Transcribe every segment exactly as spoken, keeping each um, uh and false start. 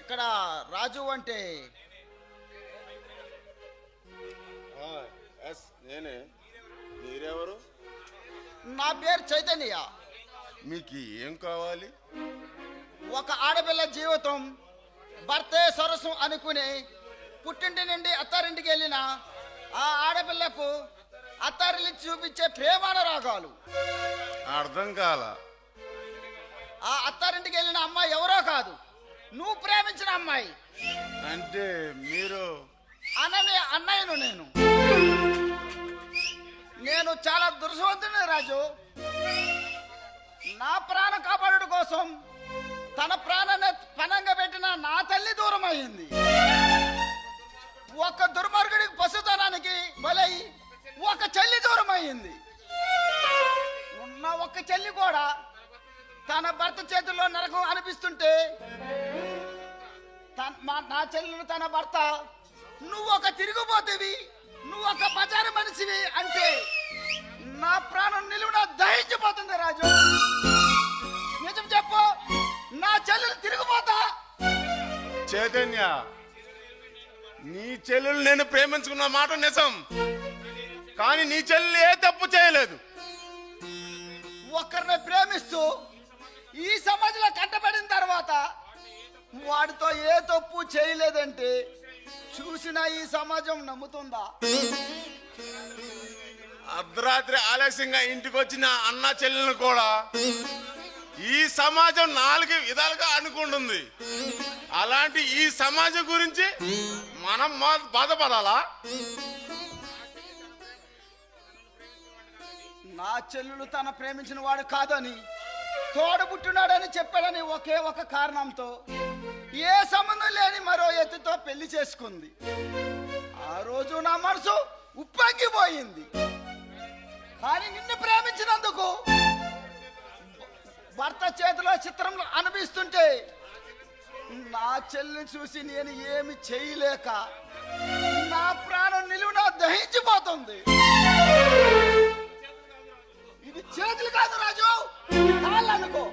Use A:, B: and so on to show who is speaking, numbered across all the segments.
A: ఇక్కడ రాజు అంటే
B: ఎస్ నేనే. మీరెవరు?
A: నా పేరు చైతన్య.
B: మీకు ఏం కావాలి?
A: ఒక ఆడపిల్ల జీవితం భర్తే సరస్సు అనుకుని పుట్టింటి నుండి అత్తారింటికి వెళ్ళిన ఆ ఆడపిల్లకు అత్తారిల్లి చూపించే ప్రేమానురాగాలు.
B: అర్థం కాల.
A: ఆ అత్తారింటికి వెళ్ళిన అమ్మాయి ఎవరో కాదు, నువ్వు ప్రేమించిన అమ్మాయి.
B: అంటే మీరు?
A: అనని అన్నయ్యను నేను. నేను చాలా దుర్సవంతుని రాజు. నా ప్రాణం కాపాడు కోసం తన ప్రాణాన్ని పనంగా పెట్టిన నా తల్లి దూరం అయింది. ఒక దుర్మార్గుడికి పశుతనానికి బలై ఒక చెల్లి దూరం అయింది. ఉన్న ఒక చెల్లి కూడా తన భర్త చేతుల్లో నరకం అనిపిస్తుంటే నా చెల్లెలు తన భర్త నువ్వు ఒక తిరిగిపోతేవి, నువ్వు ఒక బజారు మనిషివి అంటే నా ప్రాణం నిలువున దహించిపోతుంది రాజు. నిజం చెప్పు, నా చెల్లెలు తిరిగిపోతా?
B: చైతన్య, నీ చెల్లెలు నేను ప్రేమించుకున్న మాట నిజం, కానీ నీ చెల్లెలు ఏ తప్పు చేయలేదు.
A: ఒకరిని ప్రేమిస్తూ ఈ సమాజంలో కట్టబడిన తర్వాత వాడితో ఏ తప్పు చేయలేదంటే చూసిన ఈ సమాజం నమ్ముతుందా?
B: అర్ధరాత్రి ఆలస్యంగా ఇంటికి వచ్చిన అన్న చెల్లెలను కూడా ఈ సమాజం నాలుగు విధాలుగా అనుకుంటుంది. అలాంటి ఈ సమాజం గురించి మనం బాధపడాలా?
A: నా చెల్లెలు తన ప్రేమించిన వాడు కాదని, తోడబుట్టున్నాడని చెప్పాడని ఒకే ఒక కారణంతో ఏ సంబంధం లేని మరో ఎత్తుతో పెళ్లి చేసుకుంది. ఆ రోజు నా మనసు ఉప్పొంగిపోయింది. కానీ నిన్ను ప్రేమించినందుకు భర్త చేతిలో చిత్రం అనిపిస్తుంటే నా చెల్లిని చూసి నేను ఏమి చేయలేక నా ప్రాణం నిలువున దహించిపోతుంది. ఇది చేతులు కాదు రాజు, కాళ్ళు అనుకో.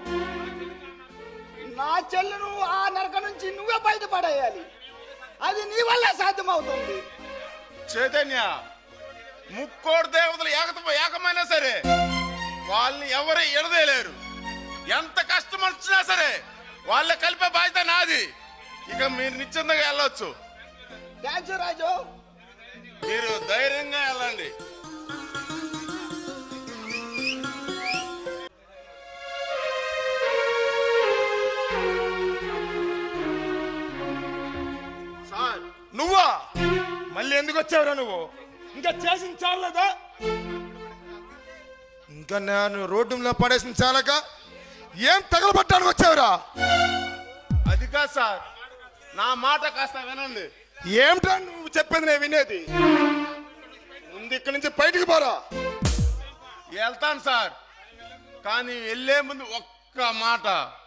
A: నా చెల్లును ఆ నరక నుంచి నువ్వే బయటపడేయాలి. అది నీ వల్ల సాధ్యమవుతుంది.
B: చైతన్య, ముక్కోడు దేవతలు ఏకత ఏకమైనా సరే వాళ్ళని ఎవరు ఎడదేలేరు. ఎంత కష్టం వచ్చినా సరే వాళ్ళ కలిపే బాధ్యత నాది. ఇక మీరు నిశ్చింతగా వెళ్ళొచ్చు.
A: థ్యాంక్స్ రాజు.
B: మీరు ధైర్యంగా వెళ్ళండి.
C: సార్, నువ్వా? మళ్ళీ ఎందుకు వచ్చావురా నువ్వు? ఇంకా చేసిన చాలదా? ఇంకా నేను రోడ్డు మీద పడేసిన చాలక ఏం తగలబట్టడానికి వచ్చావురా?
B: అది కాదు సార్, నా మాట కాస్త వినండి.
C: ఏమిటా నువ్వు చెప్పేది నేను వినేది? ముందు ఇక్కడి నుంచి బయటికి పోరా.
B: వెళ్తాను సార్, కానీ వెళ్ళే ముందు ఒక్క మాట.